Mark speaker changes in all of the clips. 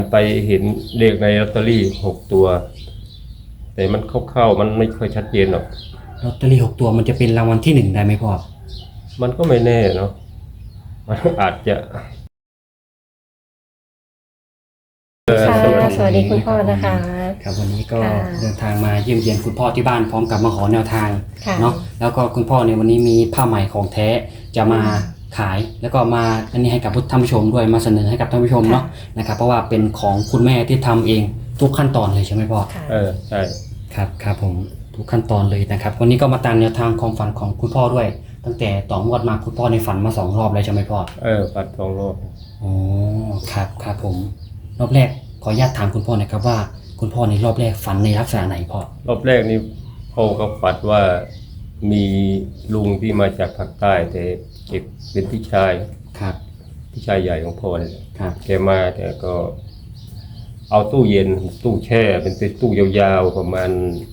Speaker 1: ไปเห็นเลขในลอตเตอรี่6 ตัวแต่มันเข้าๆมันไม่ค่อยชัดเจนหรอก
Speaker 2: ลอตเตอรี่6 ตัวมันจะเป็นรางวัลที่1ได้ไหมพ่อ
Speaker 1: มันก็ไม่แน่เนาะมันอาจจะ
Speaker 3: ค่ะสวัสดีคุณพ่อนะคะ
Speaker 2: ครับวันนี้ก็
Speaker 3: ค่ะ
Speaker 2: เดินทางมาเยี่ยมเยียนคุณพ่อที่บ้านพร้อมกับมาขอแนวทาง
Speaker 3: ค่ะ
Speaker 2: เนาะแล้วก็คุณพ่อในวันนี้มีผ้าไหมของแท้จะมาขายแล้วก็มาอันนี้ให้กับท่านผู้ชมด้วยมาเสนอให้กับท่านผู้ชมเนาะนะครับเพราะว่าเป็นของคุณแม่ที่ทำเองทุกขั้นตอนเลยใช่ไหมพ่อ
Speaker 3: ค่ะ
Speaker 1: ใช่
Speaker 2: ครับผมทุกขั้นตอนเลยนะครับวันนี้ก็มาตามแนวทางความฝันของคุณพ่อด้วย ตั้งแต่ต่องวดมาคุณพ่อในฝันมา2 รอบแล้วใช่ไหมพ่อ
Speaker 1: ปัด2 รอบ
Speaker 2: อ๋อครับผมรอบแรกขออนุญาตถามคุณพ่อหนะครับว่าคุณพ่อในรอบแรกฝันในลักษณะไหนพ่อ
Speaker 1: รอบแรกนี่พ่อก็ฝันว่ามีลุงที่มาจากภาคใต้แต่เก็บเป็นพี่ชาย
Speaker 2: ครับ
Speaker 1: พี่ชายใหญ่ของพ่อเลย
Speaker 2: ครับ
Speaker 1: แกมาแต่ก็เอาตู้เย็นตู้แช่เป็นตู้ยาวๆประมาณ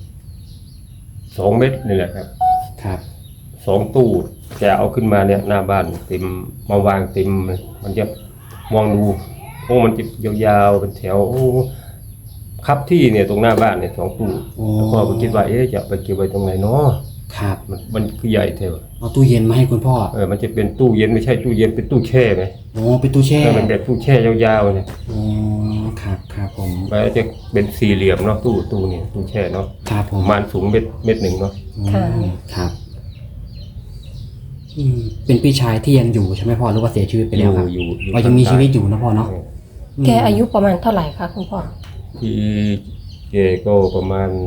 Speaker 1: 2 เมตรนี่แหละครับ
Speaker 2: ครับ
Speaker 1: 2 ตู้แกเอาขึ้นมาเนี่ยหน้าบ้านเต็มมาวางเต็มมันจะมองดูโอ้มันจะยาวๆเป็นแถวโอ้ครับที่เนี่ยตรงหน้าบ้านเนี่ย2 ตู้แล้วพ่อก็คิดว่าจะไปเก็บไว้ตรงไหนเนาะ
Speaker 2: ครับ
Speaker 1: มันคือใหญ่เท่า
Speaker 2: เอาตู้เย็นมาให้คุณพ่อ
Speaker 1: มันจะเป็นตู้เย็นไม่ใช่ตู้เย็นเป็นตู้แช่ไหม
Speaker 2: เป็นตู้แช่
Speaker 1: มันแบบตู้แช่ยาวๆเนี่ย
Speaker 2: ครับผม
Speaker 1: มันจะเป็น4 เหลี่ยมเนาะตู้นี่ตู้แช่เนาะ
Speaker 2: ครับผม
Speaker 1: ประมาณสูงเมตร 1เนาะ
Speaker 2: ครับเป็นพี่ชายที่ยังอยู่ใช่ไหมพ่อหรือว่าเสียชีวิตไปแล้วครับ
Speaker 1: อยู่
Speaker 2: ยังมีชีวิตอยู่นะพ่อเนาะ
Speaker 3: แกอายุประมาณเท่าไหร่คะคุณพ่อ
Speaker 1: ที่แกก็ประมาณ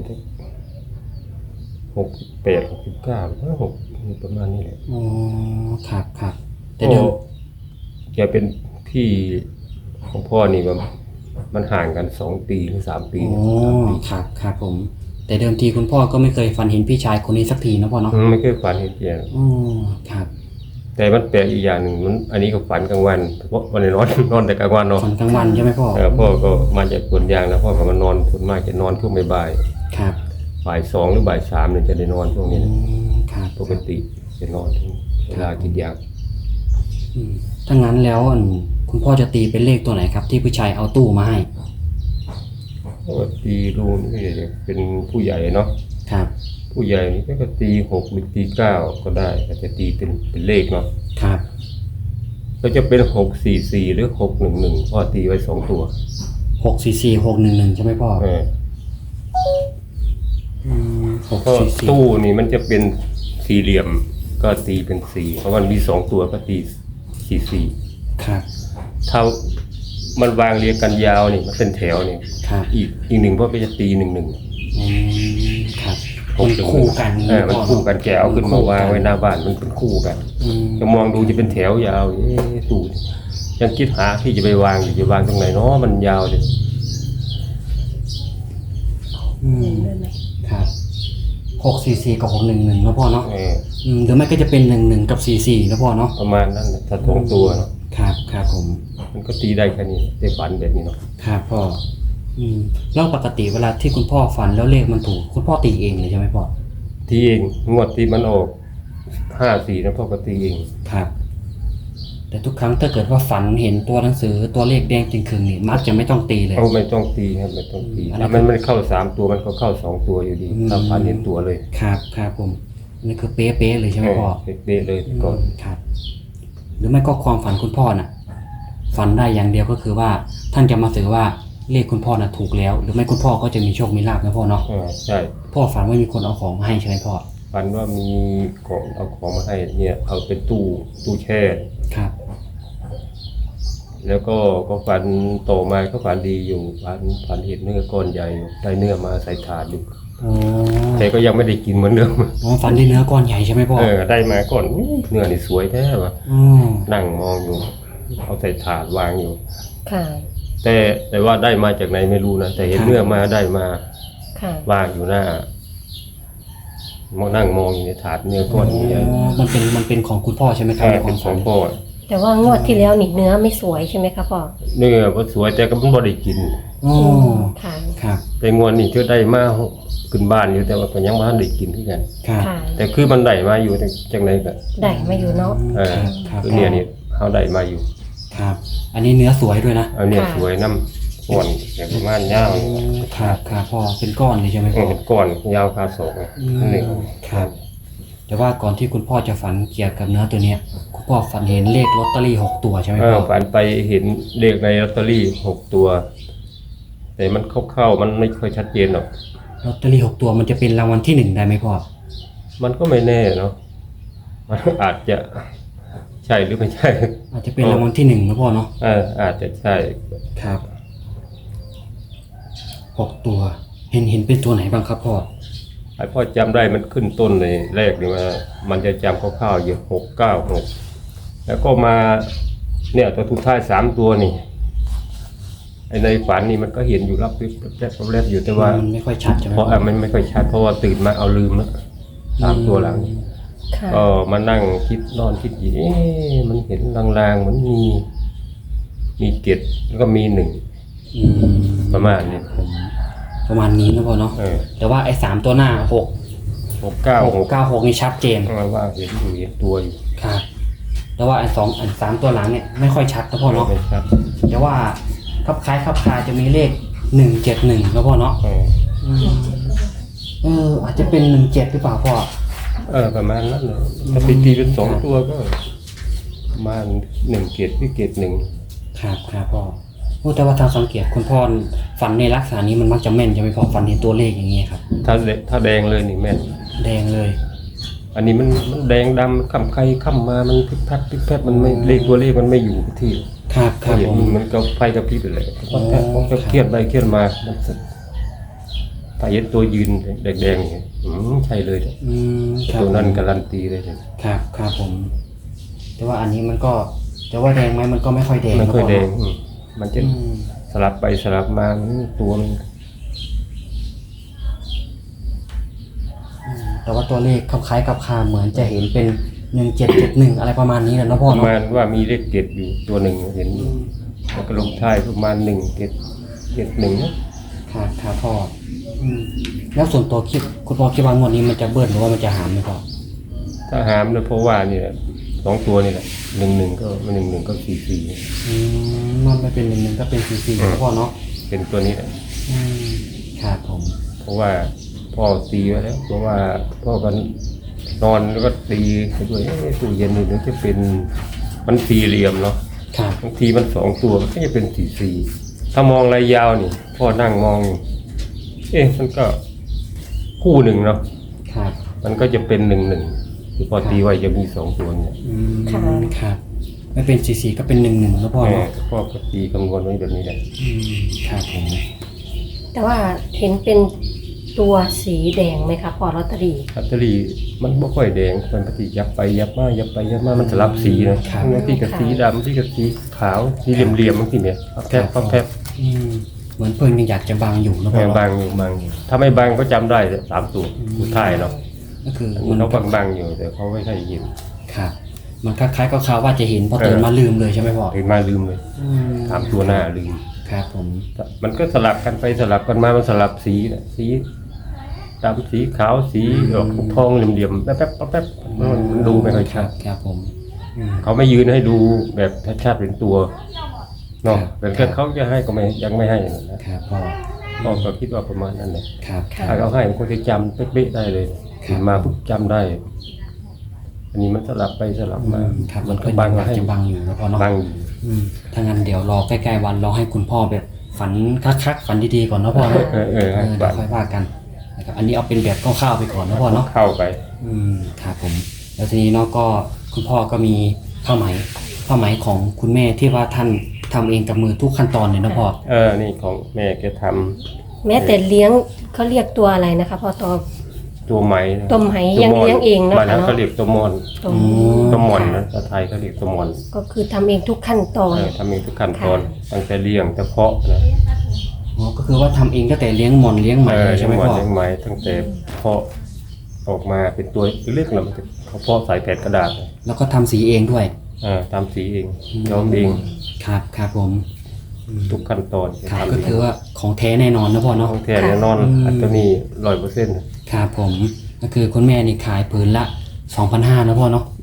Speaker 1: 68 69ประมาณนี้แหละ
Speaker 2: ครับ
Speaker 1: แต่เดิมแกเป็นพี่ของพ่อนี่มันห่างกัน2 ปีหรือ3 ปี
Speaker 2: ครับผมแต่เดิมทีคุณพ่อก็ไม่เคยฝันเห็นพี่ชายคนนี้สักทีนะพ่อเนาะ
Speaker 1: ไม่เคยฝันเห็นแก
Speaker 2: ครับ
Speaker 1: แต่มันแปลกอีกอย่างหนึ่งมันอันนี้ก็ฝันกลางวันเพราะวันนี้นอนแต่กลางวันเนาะ
Speaker 2: ฝันกลางวันใช่ไหมพ่อ
Speaker 1: พ่อก็มาจากสวนยางนะพ่อก็มานอนส่วนมากจะนอนช่วงบ่าย
Speaker 2: ครับ
Speaker 1: บ่าย 2หรือบ่าย 3เนี่ยจะได้นอนช่วงนี้
Speaker 2: ครับ
Speaker 1: ปกติจะนอนเวลากินยา
Speaker 2: ถ้างั้นแล้วคุณพ่อจะตีเป็นเลขตัวไหนครับที่ผู้ชายเอาตู้มาให้
Speaker 1: ก็ตีรูนี่เป็นผู้ใหญ่เนาะ
Speaker 2: ครับ
Speaker 1: ผู้ใหญ่นี่ก็ตี6หรือตี9ก็ได้ก็จะตีเป็นเลขเนาะ
Speaker 2: ครับ
Speaker 1: ก็จะเป็น644หรือ611พ่อตีไว้2 ตัว
Speaker 2: 644 611ใช่ไหมพ่อ
Speaker 1: 644ตู้นี่มันจะเป็น4 เหลี่ยมก็ตีเป็น4เพราะมันมี2 ตัวก็ตี44
Speaker 2: ครับ
Speaker 1: ถ้ามันวางเรียงกันยาวนี่มันเป็นแถวนี่อีก1พ่อก็จะตี11
Speaker 2: ครับมันคู่กัน
Speaker 1: มันคู่กันแกเอาขึ้นมาวางไว้หน้าบ้านมันเป็นคู่กันจะมองดูจะเป็นแถวยาวตู้ยังคิดหาที่จะไปวางอยู่จะวางตรงไหนเนาะมันยาวเลย
Speaker 2: ครับ644กับ611นะพ่อเนาะหรือไม่ก็จะเป็น11กับ44นะพ่อเนาะ
Speaker 1: ประมาณนั้นถ้า2 ตัวเนาะ
Speaker 2: ครับผม
Speaker 1: มันก็ตีได้แค่นี้ได้ฝันแบบนี้เนาะ
Speaker 2: ครับพ่อแล้วปกติเวลาที่คุณพ่อฝันแล้วเลขมันถูกคุณพ่อตีเองเลยใช่ไหมพ่อ
Speaker 1: ตีเองงวดที่มันออก54นะพ่อก็ตีเอง
Speaker 2: ครับแต่ทุกครั้งถ้าเกิดว่าฝันเห็นตัวหนังสือตัวเลขแดงจริงคืนนี่มักจะไม่ต้องตีเลย
Speaker 1: ไม่ต้องตีครับไม่ต้องตีถ้ามันเข้า3 ตัวมันก็เข้า2 ตัวอยู่ดีถ้าฝันเห็นตัวเลย
Speaker 2: ครับผมนี่คือเป๊ะเลยใช่ไหมพ่อ
Speaker 1: เป๊ะเลยก่อน
Speaker 2: ครับหรือไม่ก็ความฝันคุณพ่อน่ะฝันได้อย่างเดียวก็คือว่าท่านจะมาสื่อว่าเลขคุณพ่อน่ะถูกแล้วหรือไม่คุณพ่อก็จะมีโชคมีลาภนะพ่อเนาะ
Speaker 1: ใช่
Speaker 2: พ่อฝันว่ามีคนเอาของมาให้ใช่ไหมพ่อ
Speaker 1: ฝันว่ามีของเอาของมาให้เนี่ยเอาเป็นตู้แช่
Speaker 2: ครับ
Speaker 1: แล้วก็ฝันโตมาก็ฝันดีอยู่ฝันเห็นเนื้อก้อนใหญ่ได้เนื้อมาใส่ถาดอยู่แต่ก็ยังไม่ได้กินเหมือนเดิม
Speaker 2: ฝันได้เนื้อก้อนใหญ่ใช่ไหมพ่อ
Speaker 1: ได้มาก่อนเนื้อนี่สวยแท้ว่ะนั่งมองอยู่เอาใส่ถาดวางอยู่
Speaker 3: ค่ะ
Speaker 1: แต่ว่าได้มาจากไหนไม่รู้นะแต่เห็นเนื้อมาได้มาวางอยู่หน้ามองนั่งมองอยู่ในถาดเนื้อก้อนใหญ่
Speaker 2: มันเป็นของคุณพ่อใช่ไหมครับ
Speaker 1: เป็นของพ่อ
Speaker 3: แต่ว่างวดที่แล้วนี่เนื้อไม่สวยใช่ไหมครับพ่อ
Speaker 1: เนื้อก็สวยแต่ก็ไม่ได้กิน
Speaker 3: ค่ะ
Speaker 2: ครับ
Speaker 1: แต่งวดนี้ก็ได้มาขึ้นบ้านอยู่แต่ว่าก็ยังไม่ได้กินที่กันแต่คือมันได้มาอยู่จากไหนกัน
Speaker 3: ได้มาอยู่เนาะ
Speaker 1: คือเนี่ยนี่เขาได้มาอยู่
Speaker 2: ครับอันนี้เนื้อสวยด้วยนะ
Speaker 1: เนื้อสวยน้ก้อนแบบประมาณยาว
Speaker 2: ครับครับพ่อเป็นก้อนเลยใช่ไหมพ่อ
Speaker 1: เป็นก้อนยาวคาศอกหนึ่ง
Speaker 2: ครับ แต่ว่าก่อนที่คุณพ่อจะฝันเกี่ยวกับเนื้อตัวเนี้ยคุณพ่อฝันเห็นเลขลอตเตอรี่6ตัวใช่ไหมพ่อ
Speaker 1: ฝันไปเห็นเลขในลอตเตอรี่6ตัว แต่มันเข้าๆมันไม่ค่อยชัดเจนหรอก
Speaker 2: ลอตเตอรี่6ตัวมันจะเป็นรางวัลที่1ได้ไหมพ่อ
Speaker 1: มันก็ไม่แน่เนาะมันอาจจะใช่หรือไม่ใช่
Speaker 2: อาจจะเป็นรางวัลที่1นะพ่อเนาะ
Speaker 1: อาจจะใช่
Speaker 2: ครับ6ตัวเห็นเป็นตัวไหนบ้างครับพ่อ
Speaker 1: ไอ้พ่อจำได้มันขึ้นต้นในแรกนี่ว่ามันจะจำคร่าวๆอยู่696แล้วก็มาเนี่ยตัวทุกท้าย3ตัวนี่ไอ้ในฝันนี่มันก็เห็นอยู่รับแรบอยู่แต่ว่า
Speaker 2: มันไม่ค่อยชัดใช่ไหม
Speaker 1: เพราะมันไม่ค่อยชัดเพราะว่าตื่นมาเอาลืมแล้ว3ตัวหลัง
Speaker 3: ค่ะ
Speaker 1: ก็มานั่งคิดนอนคิดอยู่มันเห็นลางๆเหมือนมีเกล็ดแล้วก็มี1
Speaker 2: อืม
Speaker 1: ประมาณนี้
Speaker 2: ประมาณนี้นะพ่อเนาะแต่ว่าไอ้3ตัวหน้า6
Speaker 1: 696
Speaker 2: นี่ชัดเจน
Speaker 1: ว่าเห็นตัวอยู่
Speaker 2: ครับแต่ว่าอัน3ตัวหลังเนี่ยไม่ค่อยชัดนะพ่อเนาะ
Speaker 1: ไม่ชัด
Speaker 2: แต่ว่าคับคล้ายคับคาจะมีเลข171นะพ่อเนาะอาจจะเป็น17หรือเปล่าพ่อ
Speaker 1: ประมาณนั้นเลยถ้าไปตีเป็น2ตัวก็ประมาณ1เกล็ดที่เกล็ด1
Speaker 2: ครับครับพ่อโอ้แต่ว่าทางสังเกตคุณพ่อฝันในลักษณะนี้มันมักจะแม่นใช่ไหมพ่อฝันเห็นตัวเลขอย่างเงี้ยครับ
Speaker 1: ถ้าแดงเลยนี่แม่น
Speaker 2: แดงเลย
Speaker 1: อันนี้มันแดงดำค่ำใครค่ำมามันพลิกแพบมันไม่เลขตัวเลขมันไม่อยู่ที่
Speaker 2: ครับครับ
Speaker 1: เห็น
Speaker 2: ผม
Speaker 1: มันก็ไฟกับพริบไปเลย
Speaker 2: อ๋อ
Speaker 1: มันก็เครียดไปเครียดมามันถ้าเห็นตัวยืนแดงๆอย่างนี้ใช่เลย
Speaker 2: ครับ
Speaker 1: ตัวนั้นการันตีเลย
Speaker 2: ครับครับผม แต่ว่าอันนี้มันก็จะว่าแดงไหมมันก็ไม่ค่อยแดง
Speaker 1: ไม่ค่อยแดง
Speaker 2: นะพ่
Speaker 1: มันจะ
Speaker 2: อืม
Speaker 1: สลับไปสลับมาตัวมัน
Speaker 2: แต่ว่าตัวเลขคล้ายๆกับคาเหมือนจะเห็นเป็น1771อะไรประมาณนี้แหละเนาะพ่อ
Speaker 1: ประ
Speaker 2: เนาะ
Speaker 1: มาณว่ามีเลขเกตอยู่ตัวหนึ่งเห็นอยู่แล้วก็ลงท้ายประมาณ1
Speaker 2: ครับครับพ่อแล้วส่วนตัวคิดคุณพ่อคิดว่างวดนี้มันจะเบิ้ลหรือว่ามันจะหามไหมพ่อ
Speaker 1: ถ้าหามเนี่ยเพราะว่าเนี่ย2ตัวนี่แหละ11ก็11ก็44
Speaker 2: มันไม่เป็น11ก็เป็น44นะพ่อเนาะ
Speaker 1: เป็นตัวนี้แหละ
Speaker 2: ครับผม
Speaker 1: เพราะว่าพ่อตีไว้แล้วเพราะว่าพ่อกันนอนแล้วก็ตีไปด้วยตู้เย็นนี่เดี๋ยวจะเป็นมันสี่เหลี่ยมเนาะ
Speaker 2: ครับ
Speaker 1: บางทีมัน2ตัวมันก็จะเป็น44ถ้ามองระยะยาวนี่พ่อนั่งมองอยู่มันก็คู่หนึ่งเนาะ
Speaker 2: ครับ
Speaker 1: มันก็จะเป็น11ที่พ่อตีไว้จะมี2ตัวเนี่ย
Speaker 3: ค่ะ
Speaker 2: ครับไม่เป็น44ก็เป็น11นะพ่อเนาะ
Speaker 1: พ่อก็ตีคำนวณไว้แบบนี้แหละ
Speaker 2: ครับผม
Speaker 3: แต่ว่าเห็นเป็นตัวสีแดงไหมคะพ่อลอตเตอรี่
Speaker 1: ลอตเตอรี่มันไม่ค่อยแดงมันปฏิยับไปยับมายับไปยับมามันสลับสีนะบางทีกับสีดำบางทีกับสีขาวสีเหลี่ยมๆบางทีเนี่ยแพบ
Speaker 2: เหมือนเพิ่นยังอยากจะบังอยู่นะพ่อเนาะ
Speaker 1: บางอยู่ถ้าไม่บางก็จำได้3ตัวสุดท้ายเนาะ
Speaker 2: ก็คือ
Speaker 1: มันเขาบางอยู่แต่เขาไม่ใช่ยิน
Speaker 2: ครับมันคล้ายๆกับเขาว่าจะเห็นพอตื่นมาลืมเลยใช่ไหมพ่อ
Speaker 1: เห็นมาลืมเลย3ตัวหน้าลืม
Speaker 2: ครับผม
Speaker 1: มันก็สลับกันไปสลับกันมามันสลับสีนะสีดำสีขาวสีออกทองเหลี่ยมๆแป๊บมันดูไม่ค่อยชัด
Speaker 2: ครับผม
Speaker 1: เขาไม่ยืนให้ดูแบบชัดๆเป็นตัวเนาะ
Speaker 2: ครับ
Speaker 1: แต่แค่เขาจะให้ก็ไม่ยังไม่ให้นะครับ
Speaker 2: พ่อ
Speaker 1: พ่อก็คิดว่าประมาณนั้นแหละ
Speaker 2: ครับ
Speaker 3: ค่ะ
Speaker 1: ถ้าเขาให้มันก็จะจำเป๊ะๆได้เลยถึงมาปุ๊บจำได้ อันนี้มันสลับไปสลับมา
Speaker 2: ครับ
Speaker 1: มันก็
Speaker 2: เพิ่น
Speaker 1: บาง
Speaker 2: อยาก
Speaker 1: ให้
Speaker 2: จะบังอยู่นะพ่อเนาะ
Speaker 1: บางอยู่
Speaker 2: ถ้างั้นเดี๋ยวรอใกล้ๆวันรอให้คุณพ่อแบบฝันคักๆฝันดีๆก่อนนะพ่อเนาะ
Speaker 1: เดี๋
Speaker 2: เดี๋ยวค่อยว่ากันนะครับอันนี้เอาเป็นแบบคร่าวๆไปก่อนนะพ่อเนาะ
Speaker 1: เข้าไป
Speaker 2: ครับผมแล้วทีนี้เนาะก็คุณพ่อก็มีผ้าไหมของคุณแม่ที่ว่าท่านทำเองกับมือทุกขั้นตอนเลยนะพ่อ
Speaker 1: นี่ของแม่แกทำ
Speaker 3: แม้แต่เลี้ยงเขาเรียกตัวอะไรนะคะพ่อ
Speaker 1: ตัวไหมนะ
Speaker 3: ตัวไหมยังเลี้ยงเองเนอะ
Speaker 1: บ้านนั้นเขาเรียกตัวมอน
Speaker 3: ตัว
Speaker 1: ตัวมอนนะภาษาไทยเขาเรียกตัวมอน
Speaker 3: ก็คือทำเองทุกขั้นตอน
Speaker 1: ทำเองทุกขั้นตอนตั้งแต่เลี้ยงแต่เพาะนะ
Speaker 2: อ๋อก็คือว่าทำเองตั้งแต่เลี้ยงหมอนเลี้ยงไหมเลยใช่ไหม
Speaker 1: เลี้ยงหมอน
Speaker 2: พ่อ
Speaker 1: เลี้ยงไหมตั้งแต่เพาะออกมาเป็นตัวเล็กๆแล้วมันจะเขาเพาะใส่แผ่นกระดาษ
Speaker 2: แล้วก็ทำสีเองด้วย
Speaker 1: ทำสีเองย้อมเอง
Speaker 2: ครับผม
Speaker 1: ทุกขั้นตอน
Speaker 2: ครับ
Speaker 1: ทำ
Speaker 2: ก็
Speaker 1: เอง
Speaker 2: คือว่าของแท้แน่นอนนะพ่อเนาะ
Speaker 1: ของแท้แน่นอนอันนี้100%
Speaker 2: ครับผมก็คือคุณแม่นี่ขายผืนละ 2,500นะพ่อเนาะ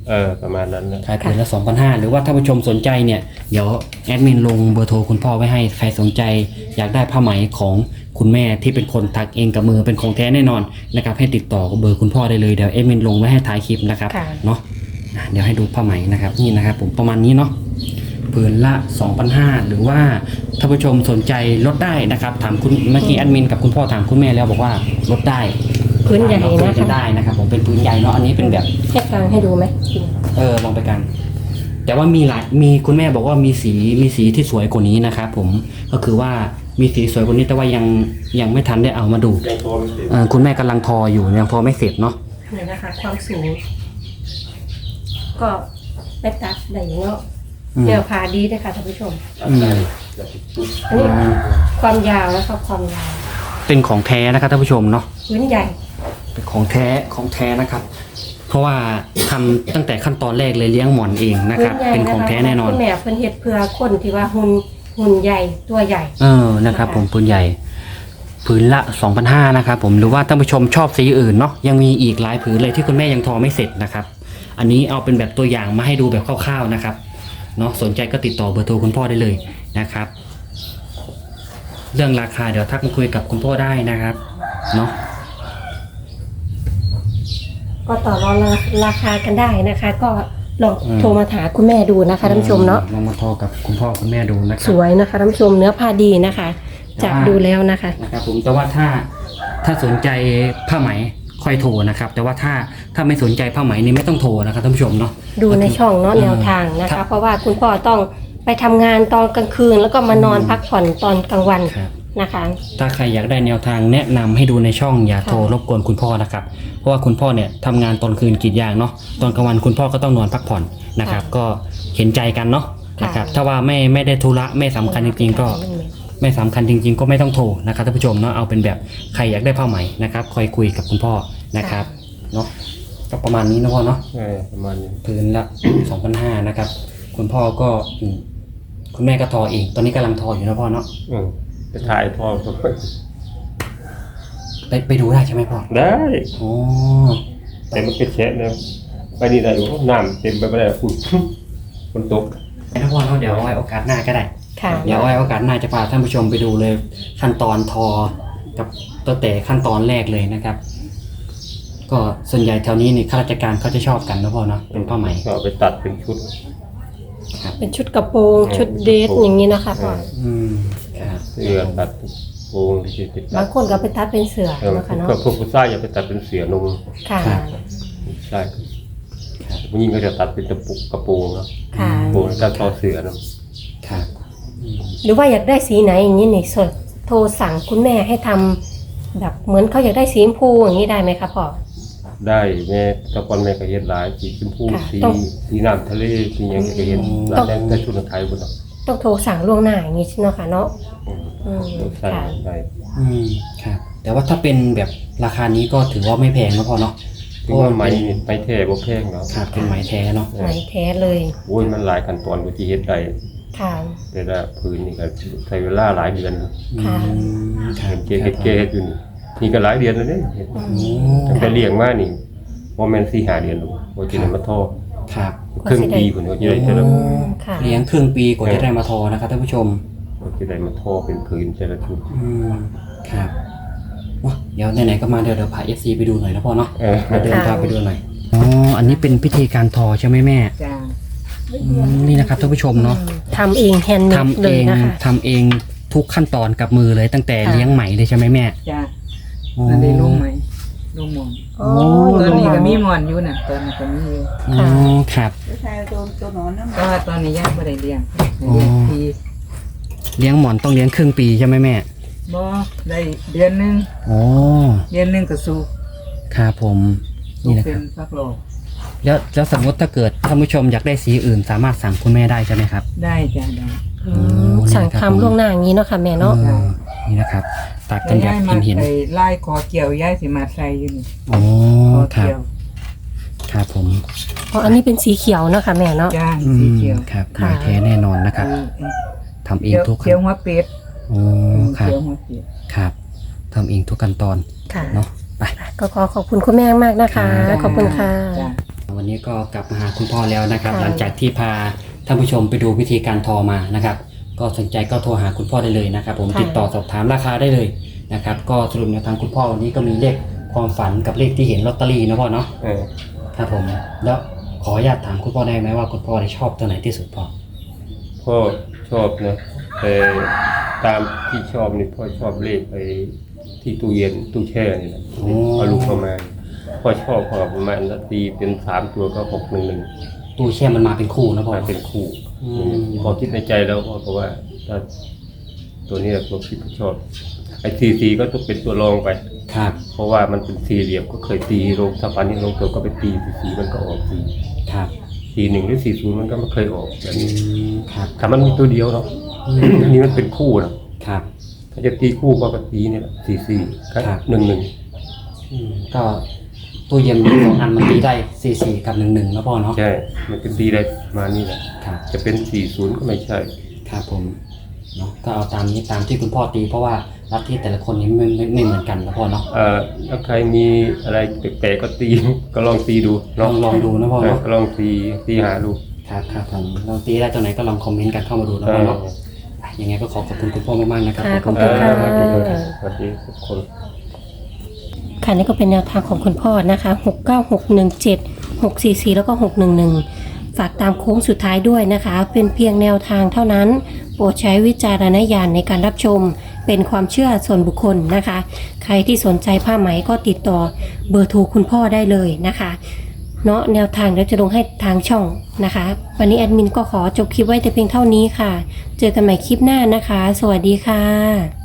Speaker 1: ประมาณนั้นนะ
Speaker 2: ขายผืนละ 2,500 หรือว่าถ้าผู้ชมสนใจเนี่ยเดี๋ยวแอดมินลงเบอร์โทรคุณพ่อไว้ให้ใครสนใจอยากได้ผ้าไหมของคุณแม่ที่เป็นคนถักเองกับมือเป็นของแท้แน่นอนนะครับให้ติดต่อกับเบอร์คุณพ่อได้เลยเดี๋ยวแอดมินลงไว้ให้ท้ายคลิปนะครับเนาะเดี๋ยวให้ดูผ้าไหมนะครับนี่นะครับผมประมาณนี้เนาะผืนละ 2,500 หรือว่าถ้าผู้ชมสนใจลดได้นะครับถามคุณเมื่อกี้แอดมินกับคุณพ่อถามคุณแม่แล้วบอกว่าลดได้
Speaker 3: พื้นใหญ่
Speaker 2: คุ
Speaker 3: นะ
Speaker 2: ยกัน
Speaker 3: คะ
Speaker 2: ได้นะครับผมเป็นผืนใหญ่เนาะอันนี้เป็นแบบ
Speaker 3: ให้กลางให้ดูไหม
Speaker 2: ลองไปกัน แต่ว่ามีคุณแม่บอกว่ามีสีที่สวยกว่านี้นะครับผมก็คือว่ามีสีสวยกว่านี้แต่ว่ายังไม่ทันได้เอามาดู
Speaker 1: ยังโทรไม่ติด
Speaker 2: คุณแม่กำลังทออยู่ยังทอไม่เสร็จเนาะ
Speaker 3: นี่นะคะความสูง ก็ไปตัดได้เนาะแนวพาดีเลยค่ะท่านผู้ชม
Speaker 2: อืม
Speaker 3: อันนี้ความยาวนะคะความยาว
Speaker 2: เป็นของแท้นะครับท่านผู้ชมเนาะ
Speaker 3: พื้นใหญ่
Speaker 2: เป็นของแท้นะครับ เพราะว่าทำตั้งแต่ขั้นตอนแรกเลยเลี้ยงหมอนเองนะครับ
Speaker 3: พื้ใหญ่
Speaker 2: เป็นของแท้แน่นอน
Speaker 3: คุณแม่เพิ่นเฮ็ดเพื่อคนที่ว่าหุ่นใหญ่ตัวใหญ่
Speaker 2: นะครับผมปืนใหญ่ผืนละ 2,500 นะครับผมหรือว่าท่านผู้ชมชอบสีอื่นเนาะยังมีอีกหลายผืนเลยที่คุณแม่ยังทอไม่เสร็จนะครับอันนี้เอาเป็นแบบตัวอย่างมาให้ดูแบบคร่าวๆนะครับเนาะสนใจก็ติดต่อเบอร์โทรคุณพ่อได้เลยนะครับเรื่องราคาเดี๋ยวทักมาคุยกับคุณพ่อได้นะครับเนาะ
Speaker 3: ก็ต่อรองราคากันได้นะคะ ก็ลองโทรมาถามคุณแม่ดูนะคะท่านผู้ชมเนาะ
Speaker 2: ลองมาทอกับคุณพ่อคุณแม่ดูนะค
Speaker 3: ส
Speaker 2: รับ
Speaker 3: วยนะคะท่านผู้ชมเนื้อผ้าดีนะคะ จากดูแล้วนะคะ
Speaker 2: นะครับผมแต่ว่าถ้าสนใจผ้าไหมค่อยโทรนะครับแต่ว่าถ้าไม่สนใจผ้าไหมนี่ไม่ต้องโทรนะครับท่านผู้ชมเนาะ
Speaker 3: ดูในช่องเนาะแนวทางนะ
Speaker 2: ครั
Speaker 3: คะ
Speaker 2: บ
Speaker 3: เพราะว่าคุณพ่อต้องไปทำงานตอนกลางคืน แล้วก็มานอนพักผ่อนตอนกลางวัน
Speaker 2: ครับ
Speaker 3: นะคะ
Speaker 2: ถ้าใครอยากได้แนวทางแนะนำให้ดูในช่องอย่าโทรรบกวนคุณพ่อนะครับเพราะว่าคุณพ่อเนี่ยทำงานตอนคืนกรีดยางเนาะตอนกลางวันคุณพ่อก็ต้องนอนพักผ่อนนะครับก็เห็นใจกันเนาะนะครับถ้าว่าไม่ได้ธุระไม่สำคัญจริงๆก็ไม่สำคัญจริงๆก็ไม่ต้องโทรนะครับท่านผู้ชมเนาะเอาเป็นแบบใครอยากได้ผ้าไหมนะครับคอยคุยกับคุณพ่อนะครับเนาะก็ประมาณนี้นะพ่อเนาะ
Speaker 1: ประมาณนี้
Speaker 2: พื้นละ 2,500 นะครับคุณพ่อก็คุณแม่ก็ทอเองตอนนี้กำลังทออยู่นะพ่อเนาะ
Speaker 1: ไปถ่ายพ่อก็
Speaker 2: ไปดูได้ใช่ไหมพ่อ
Speaker 1: ได้
Speaker 2: โอ้
Speaker 1: แต่มันเป็นแฉะนะไปนี่ได้อยู่น้ำเต็มไปไม่ได้ฝุ่นฝนตก
Speaker 2: ถ้าพ่อเนาะเดี๋ยวเอาไว้โอกาสหน้าก็ได้
Speaker 3: ค่ะ
Speaker 2: เดี๋ยวเอาไว้โอกาสหน้าจะพาท่านผู้ชมไปดูเลยขั้นตอนทอกับตั้งแต่ขั้นตอนแรกเลยนะครับ ก็ส่วนใหญ่แถวนี้นี่ข้าราชการเขาจะชอบกันนะพ่อเนาะเป็นผ้าไหม
Speaker 1: ก็เอาไปตัดเป็นชุด
Speaker 3: เป็นชุดกระโปรงชุดเดรสอย่างนี้นะคะพ่อ
Speaker 2: ครับ
Speaker 1: เสื้อตัดโปรงที่ติดตั
Speaker 3: บา
Speaker 1: ด
Speaker 3: งคนก็ไปตัดเป็นเสือนะคะเนาะ
Speaker 1: ก็พวกผู้ชายอย่าไปตัดเป็นเสือนุ่ง
Speaker 3: ค่ะ
Speaker 1: ใช่ผู้หญิงก็จะตัดเป็นกระโปรงเนาะ
Speaker 3: ค่ะ
Speaker 1: โปรงการทอเสือเนาะ
Speaker 2: ครับ
Speaker 3: หรือว่าอยากได้สีไหนอย่างนี้นี่โทรสั่งคุณแม่ให้ทำแบบเหมือนเขาอยากได้สีชมพูอย่างนี้ได้ไหมคะพ่อ
Speaker 1: ได้แม่ตะกอนแม่ก็เฮ็ดหลายสีชมพู
Speaker 3: ค่ะ
Speaker 1: สี
Speaker 3: ต้อง
Speaker 1: สีน้ำทะเลสีหยังก็เฮ็ดหลายแต่ชุดไทยบ่เนาะ
Speaker 3: ต้องโทรสั่งล่วงหน้าอย่างนี้เนาะค่ะเนาะ
Speaker 1: ใช่
Speaker 3: ค่ะ
Speaker 1: ได้
Speaker 2: ครับแต่ว่าถ้าเป็นแบบราคานี้ก็ถือว่าไม่แพงนะพ่อเนาะ
Speaker 1: ถึงว่าไหมนี่ไปแท้บ่แพงเนาะ
Speaker 2: ครับเป็นไหมแท้เนาะ
Speaker 3: ไหนแท้เลย
Speaker 1: โอ้ยมันหลายขั้นตอนกว่าที่เฮ็ดได้
Speaker 3: ค่ะ
Speaker 1: แต่ละพื้นนี่ก็ใช้เวลาหลายเดือน
Speaker 3: ค่ะ
Speaker 2: ครับ
Speaker 1: เฮ็ดอยู่นี่ก็หลายเดือนแล้วเนี่ยตั้งแต่เลี้ยงมานี่บ่แม่น 4-5 เดือนหรอกบ่สิได้มาทอ
Speaker 2: ครับ
Speaker 1: ครึ่งปีพุ่นก็สิได้แต่ละ
Speaker 3: ค่ะ
Speaker 2: เลี้ยงครึ่งปีกว่าจะได้มาทอนะครับท่านผู้ชม
Speaker 1: ก็สิได้มาทอเป็นพื้นแต่ละชุด
Speaker 2: ครับว้าเดี๋ยวไหนๆก็มาเดี๋ยวพา FC ไปดูหน่อยนะพ่อเนาะ
Speaker 1: เออ
Speaker 2: เดินพาไปดูหน่อยอ๋ออันนี้เป็นพิธีการทอใช่ไหมแม่
Speaker 4: จ้า
Speaker 2: นี่นะครับท่านผู้ชมเนาะ
Speaker 3: ทำเองแฮนด์เมด
Speaker 2: ทำ
Speaker 3: เล
Speaker 2: เอย ง
Speaker 3: นะคะ
Speaker 2: ทำเองทุกขั้นตอนกับมือเลยตั้งแต่
Speaker 3: ค่ะ
Speaker 2: เลี้ยงไหมเลยใช่ไหมแม่
Speaker 4: จ้า
Speaker 2: อ๋อ
Speaker 4: อันนี้ลุงไหมลุงหมอน
Speaker 3: อ๋อ
Speaker 4: ตัวนี้ก็มีหมอนอยู่น่ะตัวนี้ก็มีอยู่
Speaker 2: อ๋อครับ
Speaker 4: แต่ว่าตอนนี้ยังไม่ได้เลี้ยง
Speaker 2: อ๋อ
Speaker 4: เลี้ยงที
Speaker 2: เลี้ยงหมอนต้องเลี้ยงครึ่งปีใช่ไหมแม่
Speaker 4: บ่ได้เดือนหนึง
Speaker 2: อ๋อ
Speaker 4: เดือนหนึงก็สูบ
Speaker 2: ครับผม
Speaker 4: สู
Speaker 2: นี่
Speaker 4: บ
Speaker 2: นะ
Speaker 4: เป็
Speaker 2: ครั
Speaker 4: น
Speaker 2: บ
Speaker 4: ฟักโลก
Speaker 2: แล้วสมมติถ้าเกิดท่านผู้ชมอยากได้สีอื่น สามารถสั่งคุณแม่ได้ใช่ไหมครับ
Speaker 4: ได้จ้าได้
Speaker 3: อืมสั่งทำล่วงหน้าอย่างนี้เนาะค่ะแม่เนาะ
Speaker 2: นี่นะครับตัดกั
Speaker 4: แต่
Speaker 2: นแบบ
Speaker 4: ย้ายมา
Speaker 2: เห็น
Speaker 4: ไอ้ไล่คอเกี่ยวย้ายสิมาใส่อยู่นี่
Speaker 2: ๆอ๋อ
Speaker 4: คอ
Speaker 2: ครับ
Speaker 4: เกี่ยว
Speaker 2: ครับผม
Speaker 3: เพราะอันนี้เป็นสีเขียวเนาะค่ะแม่เนาะ
Speaker 4: จ้าสีเขียว
Speaker 2: ครับ
Speaker 3: ค่ะ
Speaker 2: ลายแท้แน่นอนนะครับ
Speaker 4: เออ
Speaker 2: ทำเอง
Speaker 4: เขียว
Speaker 2: ทุก
Speaker 4: เขียวหัวเป็ด
Speaker 2: อ๋อครับ
Speaker 4: เขียวหัวเป็ด
Speaker 2: ครับทำเองทุกขั้นตอน
Speaker 3: ค่ะ
Speaker 2: เนาะไป
Speaker 3: ก็ขอขอบคุณคุณแม่มากนะคะ ขอบคุณค่ะ
Speaker 4: จ้า
Speaker 2: วันนี้ก็กลับมาหาคุณพ่อแล้วนะครับ
Speaker 3: ค่ะ
Speaker 2: หลังจากที่พาท่านผู้ชมไปดูวิธีการทอมานะครับ ก็สนใจก็โทรหาคุณพ่อได้เลยนะครับ ผมติดต่อสอบถามราคาได้เลยนะครับ ก็สรุปแนวทางคุณพ่อวันนี้ก็มีเลขความฝันกับเลขที่เห็นลอตเตอรี่นะพ่อเนาะ ครับผมแล้วขออนุญาตถามคุณพ่อได้ไหมว่าคุณพ่อได้ชอบตัวไหนที่สุดพ่อ
Speaker 1: พ่อชอบนะแต่ตามที่ชอบนี่พ่อชอบเลขไปที่ตู้เย็นตู้แช่นี่นะเอาลูกเข้ามาพ่อชอบพอประมาณนาทีเป็น3ตัวก็611
Speaker 2: ตู้แช่มันมาเป็นคู่นะพ่อ
Speaker 1: มาเป็นคู่
Speaker 2: อืม
Speaker 1: พอคิดในใจแล้วพ่อก็ว่าถ้าตัวนี้แหละตัวที่พ่อชอบไอ้ทีก็ต้องเป็นตัวรองไป
Speaker 2: ครับ
Speaker 1: เพราะว่ามันเป็นสี่เหลี่ยมก็เคยตีลงถ้าฟันนี้ลงตัวก็ไปตีสีมันก็ออกสี
Speaker 2: ครับ
Speaker 1: 41หรือ40มันก็ไม่เคยออกแบบ
Speaker 2: อื
Speaker 1: นี้
Speaker 2: มครับ
Speaker 1: ถ้ามันมีตัวเดียวเนาะอันนี้มันเป็นคู่นะครับ ถ้าจะตีคู่ก็ตีเนี่ย44ครับ11
Speaker 2: อืมก็ตู้เย็นมี2 อันมันตีได้44กับ11นะพ่อเนาะ
Speaker 1: ใช่มันจะตีได้มานี่แหละ
Speaker 2: ครับ
Speaker 1: จะเป็น40ก็ไม่ใช่
Speaker 2: ครับผมเนาะก็เอาตามนี้ตามที่คุณพ่อตีเพราะว่าลัทธิแต่ละคนนี้ไม่เหมือนกันนะพ่อเนาะ
Speaker 1: ถ้าใครมีอะไรแปลกๆก็ตี ก็ลองตีดู
Speaker 2: ลองดูนะพ่อเนาะ
Speaker 1: ก็ลองตีหาดู
Speaker 2: ครับผมลองตีได้ตัวไหนก็ลองคอมเมนต์กันเข้ามาดูนะพ่อเนาะยังไงก็ขอบคุณคุณพ่อมากๆนะครับ
Speaker 3: ค่ะขอบคุณค่ะ
Speaker 1: สวัสดีทุกคน
Speaker 3: ค่ะนี่ก็เป็นแนวทางของคุณพ่อนะคะ69617 644แล้วก็611ฝากตามโค้งสุดท้ายด้วยนะคะ เป็นเพียงแนวทางเท่านั้น โปรดใช้วิจารณญาณในการรับชม เป็นความเชื่อส่วนบุคคลนะคะ ใครที่สนใจผ้าไหมก็ติดต่อเบอร์โทรคุณพ่อได้เลยนะคะเนาะแนวทางเดี๋ยวจะลงให้ทางช่องนะคะ วันนี้แอดมินก็ขอจบคลิปไว้แต่เพียงเท่านี้ค่ะ เจอกันใหม่คลิปหน้านะคะ สวัสดีค่ะ